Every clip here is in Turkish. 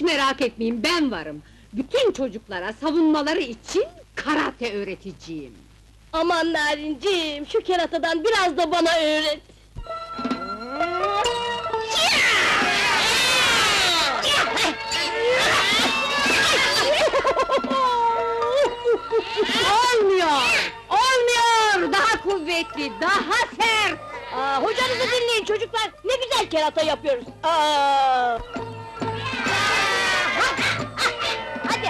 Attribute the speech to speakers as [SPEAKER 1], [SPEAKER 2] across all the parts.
[SPEAKER 1] merak etmeyin, ben varım! Bütün çocuklara savunmaları için karate öğreteceğim!
[SPEAKER 2] Aman Narinciğim, şu keratadan biraz da bana öğret!
[SPEAKER 1] Olmuyor! Olmuyor! Daha kuvvetli, daha sert!
[SPEAKER 2] Hocanızı dinleyin çocuklar, ne güzel kerata yapıyoruz! Aa! Hadi!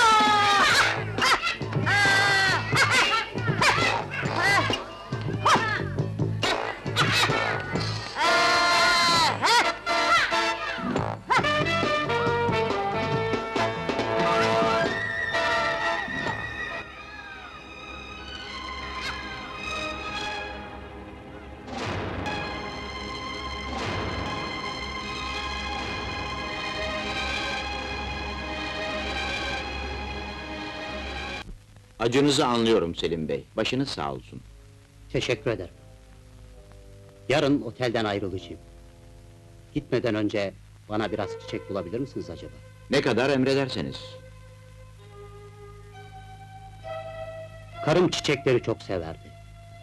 [SPEAKER 3] Acınızı anlıyorum Selim Bey, başınız sağ olsun.
[SPEAKER 4] Teşekkür ederim. Yarın otelden ayrılacağım. Gitmeden önce bana biraz çiçek bulabilir misiniz acaba?
[SPEAKER 3] Ne kadar emrederseniz.
[SPEAKER 4] Karım çiçekleri çok severdi.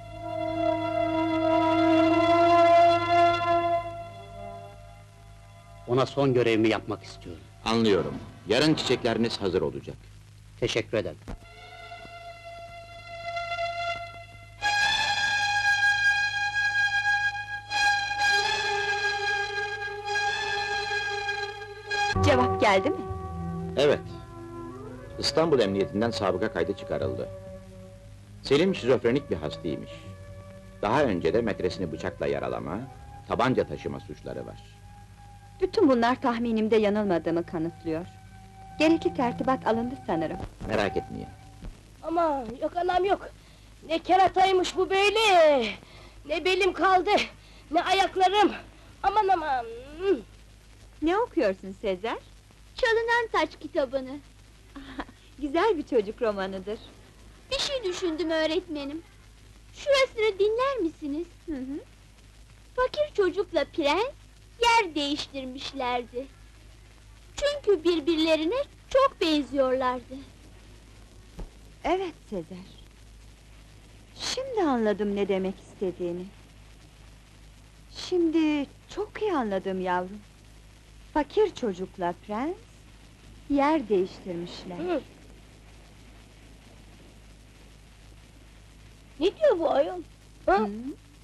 [SPEAKER 4] Ona son görevimi yapmak istiyorum.
[SPEAKER 3] Anlıyorum, yarın çiçekleriniz hazır olacak.
[SPEAKER 4] Teşekkür ederim.
[SPEAKER 5] Cevap geldi mi?
[SPEAKER 3] Evet, İstanbul Emniyetinden sabıka kaydı çıkarıldı. Selim şizofrenik bir hastaymış. Daha önce de metresini bıçakla yaralama, tabanca taşıma suçları var.
[SPEAKER 5] Bütün bunlar tahminimde yanılmadığımı kanıtlıyor. Gerekli tertibat alındı sanırım.
[SPEAKER 3] Merak etmeyin.
[SPEAKER 2] Ama yok anam yok! Ne kerataymış bu böyle! Ne belim kaldı, ne ayaklarım! Aman aman!
[SPEAKER 5] Ne okuyorsun Sezer?
[SPEAKER 6] Çalınan Taç kitabını.
[SPEAKER 5] Güzel bir çocuk romanıdır.
[SPEAKER 6] Bir şey düşündüm öğretmenim. Şurasını dinler misiniz?
[SPEAKER 5] Hı hı.
[SPEAKER 6] Fakir çocukla prens yer değiştirmişlerdi. Çünkü birbirlerine çok benziyorlardı.
[SPEAKER 5] Evet Sezer. Şimdi anladım ne demek istediğini. Şimdi çok iyi anladım yavrum. Fakir çocukla prens yer değiştirmişler.
[SPEAKER 2] Hı. Ne diyor bu ayol? Ha?
[SPEAKER 5] Hı?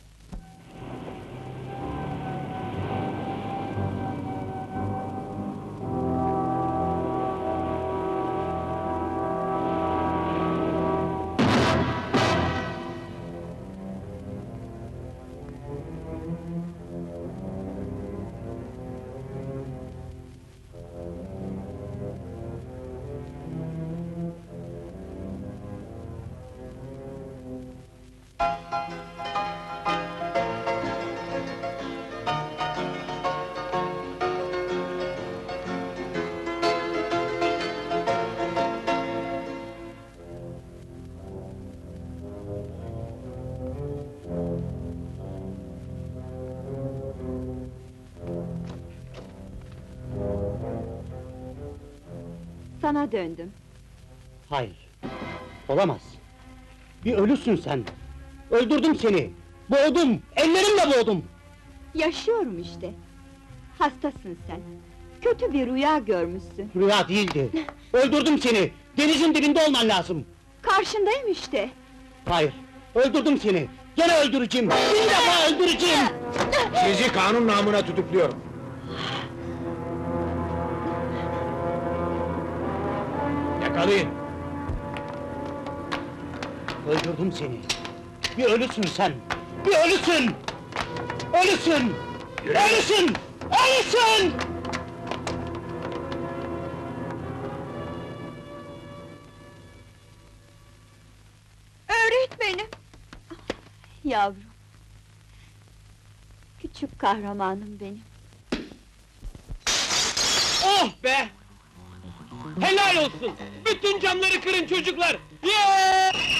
[SPEAKER 5] Sana döndüm.
[SPEAKER 4] Hayır, olamaz. Bir ölüsün sen. Öldürdüm seni. Boğdum, ellerimle boğdum.
[SPEAKER 5] Yaşıyorum işte. Hastasın sen. Kötü bir rüya görmüşsün.
[SPEAKER 4] Rüya değildi. Öldürdüm seni. Denizin dibinde olman lazım.
[SPEAKER 5] Karşındayım işte.
[SPEAKER 4] Hayır, öldürdüm seni. Gene öldüreceğim. Bir defa öldüreceğim.
[SPEAKER 7] Sizi kanun namına tutukluyorum. Yakalayın!
[SPEAKER 4] Öldürdüm seni. Bir ölüsün sen. Bir ölüsün. Ölüsün.
[SPEAKER 7] Yürü!
[SPEAKER 4] Ölüsün. Ölüsün.
[SPEAKER 5] Öğretmenim! Yavrum! Küçük kahramanım benim.
[SPEAKER 8] Oh be! Helal olsun! Bütün camları kırın çocuklar! Yeah!